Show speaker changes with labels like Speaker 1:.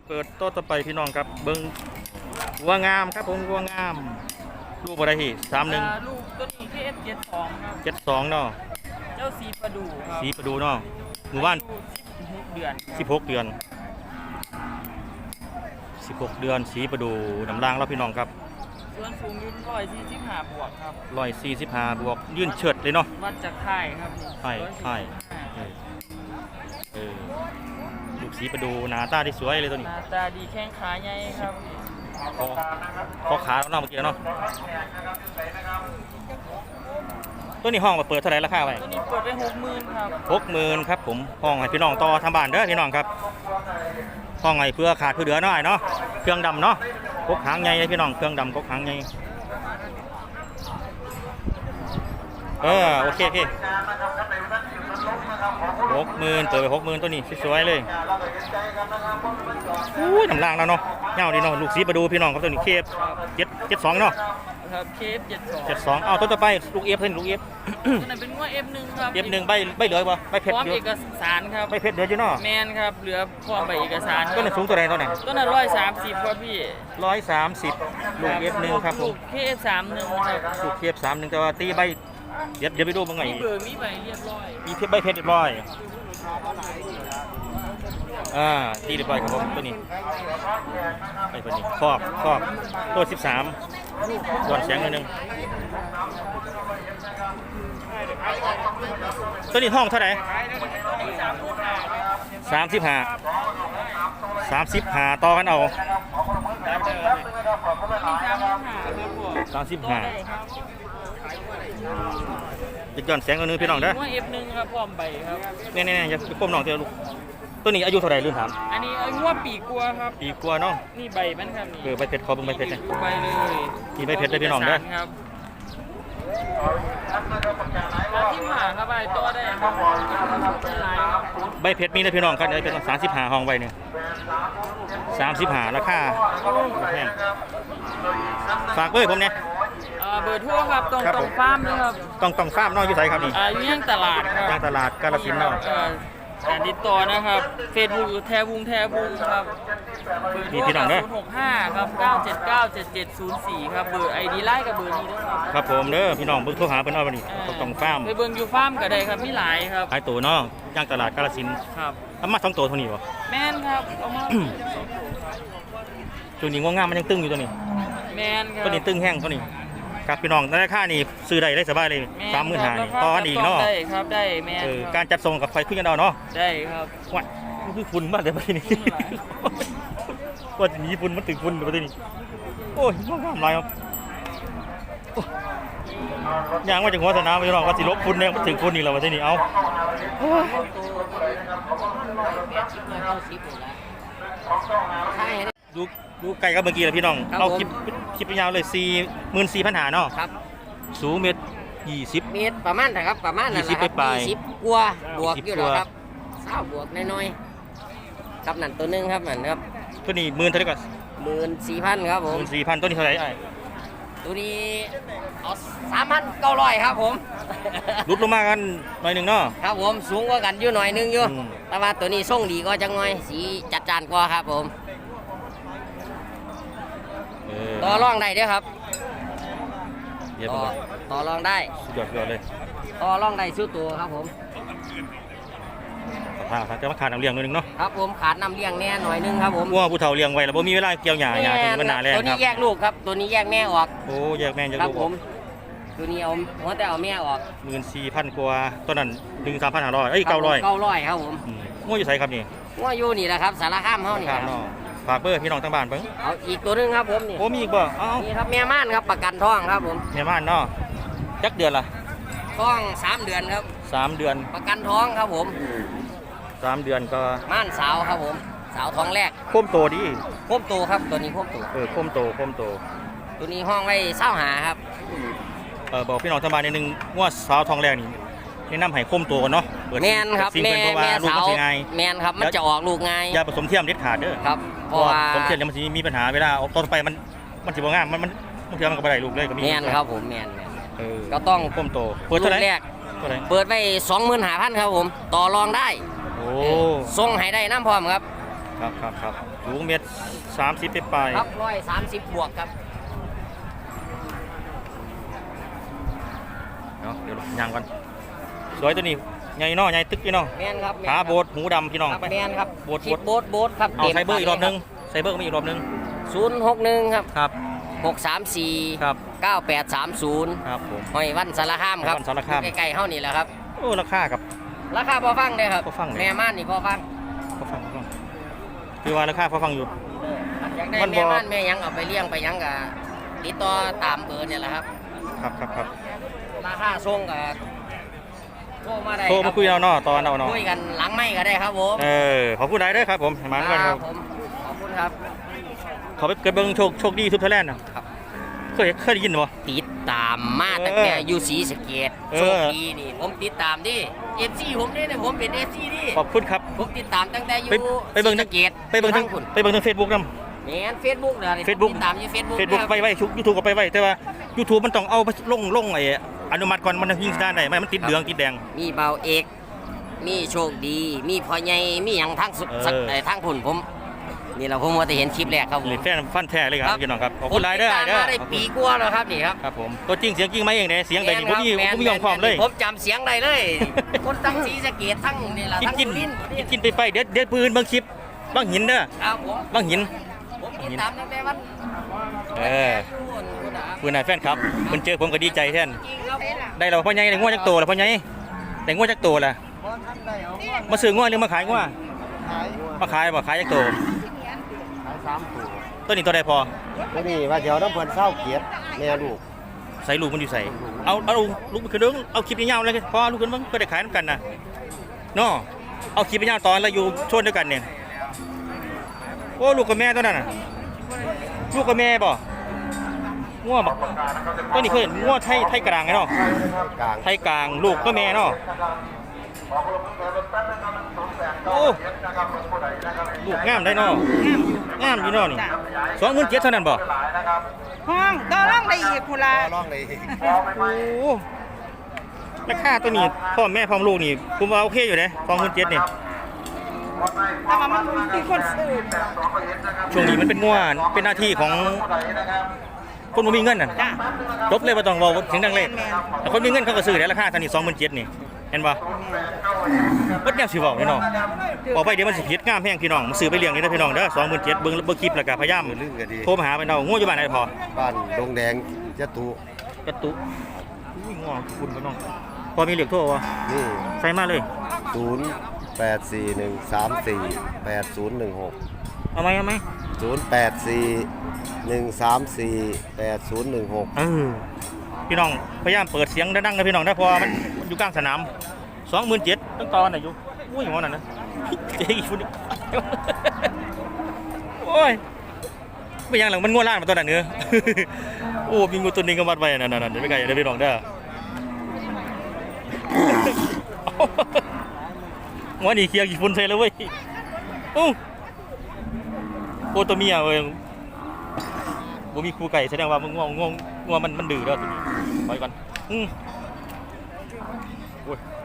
Speaker 1: เปิดโต๊ะต่อไปพี่น้องครับเบิ้งวัวงามครับผมวัวงามลูกอะไรที่31
Speaker 2: ลูกตัวนี้ที่ F72 ครับ
Speaker 1: 72เนาะ
Speaker 2: เจ้าสีประดูครับ
Speaker 1: สีประดูเนาะหมู่บ้าน
Speaker 2: 16 เดือน
Speaker 1: 16 เดือน16 เดือนสีประดูน้ำล่างแล้วพี่น้องครับ
Speaker 2: ส่วนสูงยืน145 บวกครับ
Speaker 1: 145 บวกยื่นเฉิดเลยเนาะ
Speaker 2: วัดจากค่ายครับ
Speaker 1: ค่ายลูกสีประดูหน้าตาที่สวยเลยตัวนี้
Speaker 2: หน้าตาดีแข้งขาใหญ่ครับ
Speaker 1: พอขาแล้วเนาะเมื่อกี้เนาะตัวนี้ห้องมาเปิดเท่าไหร่ราคาไว้
Speaker 2: ตัวนี้เปิดไป60,000ครับ
Speaker 1: 60,000ครับผมห้องให้พี่น้องต่อทำบ้านเด้อพี่น้องครับห้องให้เพื่อขาดเพื่อเหลือหน่อยเนาะเครื่องดำเนาะกกหางใหญ่พี่น้องเครื่องดำกกหางใหญ่โอเค60,000เปิดไป60,000ตัวนี้สวยๆเลยอุ้ยน้ำล่างแล้วเนาะเงาดีเนาะลูกสีประดูพี่น้องครับตัวนี้เคฟ72เนาะ
Speaker 2: ครับเคฟ
Speaker 1: 72เอาตัวต่อไปลูกเอฟเป็นลูกเอฟ
Speaker 2: ตัวนั้นเป็นว่า F1 ครับ
Speaker 1: F1 ใบเหลือป่ะใบเพชร
Speaker 2: พร้อม
Speaker 1: อยู่
Speaker 2: เอกสารครับ
Speaker 1: ใบเพชรเหลืออยู่เนาะ
Speaker 2: แมนครับเหลือพร้อมใบเอกสาร
Speaker 1: ตัวนั้นสูงตัวไหนตัวไหน
Speaker 2: ตัวนั้น130ครับพี่
Speaker 1: 130ลูก F1 ครับผม
Speaker 2: ลูก KF31 ครับ
Speaker 1: ลูก KF31แต่ว่าตีใบเดี๋ยวไปดูมั้งไง
Speaker 2: มีใบเรียบร้อย
Speaker 1: มีใบเพชรเรียบร้อยตีเรียบร้อยครับผมตัวนี้ไอ้ตัวนี้ครอบตัว13ส่วนแสงนิดนึงตัวนี้ห้องเท่าไหร่35ต่อกันเอา35จะย้อนแสงนิดนึงพี่น้องเด้อ
Speaker 2: F1 ครับพร้อมใบครับ
Speaker 1: นี่อย่าก้มน้องเถอะลูกตัวนี้อายุเท่าไหร่ลืมถาม
Speaker 2: อันนี้อายุว่าปีกว่าครับ
Speaker 1: ปีกว่าเนาะ
Speaker 2: นี่ใบมันครับ
Speaker 1: นี่ใบเพชรขอเป็นใบเพชรเลย
Speaker 2: ใบเลย
Speaker 1: นี่ใบเพชรเลยพี่น้องเด้อ
Speaker 2: ที่หาครับใบตัวได้
Speaker 1: ใบเพชรมีนะพี่น้องครับเดี๋ยวเป็น35ห้องใบเนี่ย35ราคาแพงฝากเบอร์ผมเนี่ย
Speaker 2: เบอร์ทั่วครับตรงฟาร์มเลยครับ
Speaker 1: ต้องฟาร์มเนาะอยู่ไสครับนี่
Speaker 2: อยู่ย่างตลาดครับ
Speaker 1: ย่างตลาดกาฬสินธุ์เนาะ
Speaker 2: การติดต่อนะครับเฟซบุ๊กแทบุงครับ
Speaker 1: นี่พี่น้องเด้อ
Speaker 2: 065ครับ9797704ครับเบอร์ ID ไลน์กับเบอร์นี้ด้วย
Speaker 1: ครับผมเด้อพี่น้องเบิ่งโทรหาเพิ่นเอาบัดนี้ต้องฟาร์ม
Speaker 2: ไปเบิ่งอยู่ฟาร์มก็ได้ครับมีหลายครับ
Speaker 1: หลายตัวเนาะย่างตลาดกาฬสินธุ์
Speaker 2: ครับ
Speaker 1: เอามา2ตัวเท่านี้บ่
Speaker 2: แม่นครับเอามา
Speaker 1: ตัวนี้งามมันยังตึงอยู่ตัวนี้
Speaker 2: แม่นครับ
Speaker 1: ตัวนี้ตึงแห้งตัวนี้ครับพี่น้องราคานี่ซื้อได้สบายเลย35,000ต่อกันอีกเนาะ
Speaker 2: ได้ครับได้แม่น
Speaker 1: การจัดส่งกับไฟคุยกันเอาเนาะ
Speaker 2: ได้ครับ
Speaker 1: ว่าคือฝุ่นมากเลยประเทศนี้ว่าจะมีฝุ่นมันถึงฝุ่นประเทศนี้โอ้ยงามหลายครับย่างมาจากหัวสนามพี่น้องว่าสิลบฝุ่นเนี่ยมันถึงฝุ่นอีกแล้วประเทศนี้เอาดูไก่กับเมื่อกี้เลยพี่น้องเอาคลิปยาวเลย44,500เนาะ
Speaker 2: ครับ
Speaker 1: สูงเมตร
Speaker 2: ประมาณนะครับประมาณนั้น
Speaker 1: 20ไป
Speaker 2: 20กว่าบวกอยู่แล้วครับ20บวกน้อยๆครับนั่นตัวนึงครับนั่นครับ
Speaker 1: ตัวนี้10,000เท่าไหร่ก่อน
Speaker 2: 14,000ครับผม
Speaker 1: 14,000ตัวนี้เท่าไหร่
Speaker 2: ตัวนี้เอา3,900ครับผม
Speaker 1: ลุดลงมากันหน่อยนึงเนาะ
Speaker 2: ครับผมสูงกว่ากันอยู่หน่อยนึงอยู่แต่ว่าตัวนี้ทรงดีก็จังหน่อยสีจัดจ้านกว่าครับผมต่อรองได้เด้อครับต่อรองได้
Speaker 1: สุดยอดเลย
Speaker 2: ต่อรองได้สู้ตัวครับผม
Speaker 1: จะมาขาดน้ำเลี้ยงหน่อยนึงเนาะ
Speaker 2: ครับผมขาดน้ำเลี้ยงแน่หน่อยนึงครับผม
Speaker 1: ว่าผู้เฒ่าเลี้ยงไว้แล้วบ่มีเวลาเกี่ยวหญ้าถึงมันหนาแรงครับ
Speaker 2: ตัวนี้แยกลูกครับตัวนี้แยกแม่ออก
Speaker 1: โอ้แยกแม่แยกลูก
Speaker 2: ผมตัวนี้เอาแต่เอาแม่ออก
Speaker 1: 14,000กว่าตัวนั้น13,500900
Speaker 2: ครับผม
Speaker 1: งัวอยู่ไสครับนี่
Speaker 2: งัวอยู่นี่แหละครับสารคามเฮานี่ครับ
Speaker 1: ฝากเบอร์พี่น้องทางบ้านเบิ่ง
Speaker 2: เอาอีกตัวนึงครับผมนี่
Speaker 1: โอ้มีอีกบ่
Speaker 2: นี่ครับแม่ม่านครับประกันท้องครับผม
Speaker 1: แม่ม่านเนาะจักเดือนล่ะ
Speaker 2: ท้อง3 เดือนครับ
Speaker 1: 3 เดือน
Speaker 2: ประกันท้องครับผม
Speaker 1: 3 เดือนก็
Speaker 2: ม่านสาวครับผมสาวท้องแรก
Speaker 1: โคมโตดี
Speaker 2: โคมโตครับตัวนี้โคมโต
Speaker 1: โคมโต
Speaker 2: ตัวนี้ห้องไว้25ครับ
Speaker 1: บอกพี่น้องทางบ้านนิดนึงว่าสาวท้องแรกนี่แนะนำให้โคมโตก่อนเนาะ
Speaker 2: แม่นครับแม่สาวแม่นครับมันจะออกลูกง่าย
Speaker 1: อย่าผสมเทียมเด็ดขาดเด้อ
Speaker 2: ครับ
Speaker 1: เพราะว่าผสมเทียมเนี่ยมันจะมีปัญหาเวลาออกต้นไปมันสิบ่งามมันเทียมมันก็บ่ได้ลูกเลยก็มี
Speaker 2: แม่นครับผมแม่น
Speaker 1: ก็ต้องโคมโตเปิดเท่าไหร่
Speaker 2: เปิดไว้25,000ครับผมต่อรองได้
Speaker 1: โอ้
Speaker 2: ส่งให้ได้น้ำพร้อมครับ
Speaker 1: ครับสูง1.30 ไปปลาย
Speaker 2: ครับ130 บวกครับ
Speaker 1: เนาะเดี๋ยวย่างก่อนสวยตัวนี้ใหญ่เนาะใหญ่ตึกพี่น้อง
Speaker 2: แมนครับ
Speaker 1: ขาโบดหูดำพี่น้อง
Speaker 2: ครับ
Speaker 1: ไป
Speaker 2: แมนครับ
Speaker 1: โบด
Speaker 2: ชิดโบดครับ
Speaker 1: เอาไซเบอร์อีกรอบนึงไซเบอร์ก็มีอีกรอบนึง
Speaker 2: 061ครับ
Speaker 1: ครับ
Speaker 2: 634
Speaker 1: ครับ
Speaker 2: 9830
Speaker 1: ครับผม
Speaker 2: หอยวันสารคามครับ
Speaker 1: หอยวันสารคาม
Speaker 2: ใกล้ๆเฮานี่แหละครับ
Speaker 1: โอ้ราคากับ
Speaker 2: ราคาพอฟังได้ครับ
Speaker 1: พอฟังเลย
Speaker 2: แม่ม่านนี่พอฟัง
Speaker 1: พอฟังคือว่าราคาพอฟังอยู่
Speaker 2: อยากได้
Speaker 1: มันบ่
Speaker 2: แม่ม่านแม่หยังเอาไปเลี้ยงไปหยังก็ติดต่อตามเบอร์เนี่ยแหละครับ
Speaker 1: ครับ
Speaker 2: ราคาส่งก็โทรมาได้
Speaker 1: โทรมาคุยเอาเนาะตอนเอาเนาะ
Speaker 2: คุยกันหลังไม่ก็ได้ครับผม
Speaker 1: ขอบคุณได้เด้อครับผมมาด้วยกันครับ
Speaker 2: ผมขอบคุณครับ
Speaker 1: ขอไปเกิดเบิ่งโชคดีทุบไทยแลนด์นะครับ เคยได้ยินบ่
Speaker 2: ติดตามมาตั้งแต่อยู่ศรีสะเกษ
Speaker 1: เออ
Speaker 2: โชคดีนี่ผมติดตามดิ FC ผมนี่ผมเป็น FC ดิ
Speaker 1: ขอบคุณครับ
Speaker 2: ผมติดตามตั้งแต่อยู่
Speaker 1: ไปเบิ่ง
Speaker 2: ศรีสะเกษ
Speaker 1: ไปเบิ่งทั้ง
Speaker 2: คุณ
Speaker 1: ไปเบิ่งทั้ง Facebook นำ
Speaker 2: แม่น Facebook เด้อนี่
Speaker 1: Facebook
Speaker 2: ติดตามอยู่ Facebook
Speaker 1: Facebook ไปไว้YouTube ก็ไปไว้แต่ว่า YouTube มันต้องเอาไปลงไอ้อนุมัติก่อนมันถึงสิได้ไม่มันติดเหลืองติดแดง
Speaker 2: มีเบาเอก มีโชคดี มีพ่อใหญ่มีหยังทั้งสุด ทั้งผุ่นผมนี่เราผมว่าจะเห็นคลิปแรกครับผม
Speaker 1: นี่แฟนฟันแท้เลยครับพี่น้องครับขอบคุณหลายเด้อ
Speaker 2: ผมติตามมาได้ปีกว่าแล้วครับนี่ครับ
Speaker 1: ครับผมตัวจริงเสียงจริงไหมเองเนี่ยเสียงใดนี่ผมมียอมความเลย
Speaker 2: ผมจำเสียงได้เลย คนทั้งศรีสะเกษทั้งนี่แหละทั้ง
Speaker 1: กิน
Speaker 2: สุรินทร์
Speaker 1: กินไปเดี๋ยวปืนบางคลิปบางหินเด้อ
Speaker 2: ครับผม
Speaker 1: บางหิน
Speaker 2: ผมติดตามตั้งแต่วัน
Speaker 1: ปืนนายแฟนครับเพิ่นเจอผมก็ดีใจแท้น
Speaker 2: จริงครับผม
Speaker 1: ได้เราพ่อใหญ่ได้งวดจักโตแล้วพ่อใหญ่ได้งวดจักโตล่ะมาซื้องวดหรือมาขายงวดมาขายบ่ขายจักโต
Speaker 3: ขาย3ตัว
Speaker 1: ตัวนี้ตัวใดพอ
Speaker 3: ตัวนี้ว่าเดี๋ยวน้ำเพิ่นเศร้าเกียรติแม่ลูก
Speaker 1: ใส่ลูกมันอยู่ใส่เอาลูกขึ้นเด้งเอาคลิปยาวๆเลยพอลูกขึ้นเบิ่งก็ได้ขายนํกันน่ะเนาะเอาคลิปยาวตอนแล้วอยู่ชนด้วยกันเนี่ยโอ้ลูกกับแม่ตัวนั้นน่ะลูกกับแม่บ่งัวบ่ตัวนี้เคยเห็นงัวไทยกลางไงเนาะ
Speaker 3: กลาง
Speaker 1: ไทยกลางลูกก็แม่เนาะโอ้ลูกงามได้เนาะงามอยู่เนาะนี่27,000เท่านั้นบ่
Speaker 4: ห้องต่อรองได้อีกพุ่นละ
Speaker 3: ร้องเลย
Speaker 1: โอ้ราคาตัวนี้พ่อแม่พร้อมลูกนี่ผมว่าโอเคอยู่เด้27,000นี่
Speaker 4: แต่ว่ามันมีคนซื้อ
Speaker 1: ช่วงนี้มันเป็นงัวเป็นหน้าที่ของคนบ่มีเงินน่ะ
Speaker 4: จ้ะ
Speaker 1: จบเลยบ่ต้องเว้าเสียงดังเลย
Speaker 4: แม่น
Speaker 1: แต่คนมีเงินเขาก็ซื้อได้ราคาเท่านี้27,000นี่เห็นบ่เบิดแนวสิเว้านี่เนาะบอกไปเดี๋ยวมันสิผิดงามแพงพี่น้องซื้อไปเลี้ยงนี่เด้อพี่น้องเด้อ27,000เบิ่งคลิปแล้วก็พยายาม
Speaker 3: ลืมก็ดี
Speaker 1: โทรมาหาไปเนางัวอยู่บ้านไหนพอ
Speaker 3: บ้านดงแดงจะตุ
Speaker 1: กระตุอุ้ยงัวคุณพี่น้องพอมีเหล็กโทรบ่
Speaker 3: นี่
Speaker 1: ใส่มาเลย
Speaker 3: 0841348016
Speaker 1: เอาไหม
Speaker 3: 0841348016
Speaker 1: พี่น้องพยายามเปิดเสียงดังๆนะพี่น้องนะเพอมันอยู่กลางสนาม 27,000ต้องต่อไหนอยู่อุ้ยอย่างนั้นนะเจ๊อีกคนนึงโอ้ยไม่ยังหลังมันง่วงล่านมาตัวนั้นเนื้อ โอ้มีงูตัวนึงก็มัดไว้นั่นๆเดี๋ยวไปไกลเดี๋ยวพี่น้องเด้อ ว่านี่เคลียร์กี่คนใช่แล้วเว้ยโอ้ตัวเมียเว้ยบ่มีครูไก่แสดงว่ามันง่วงมันดื้อแล้วตัวนี้ปล่อยก่อนโอ้ย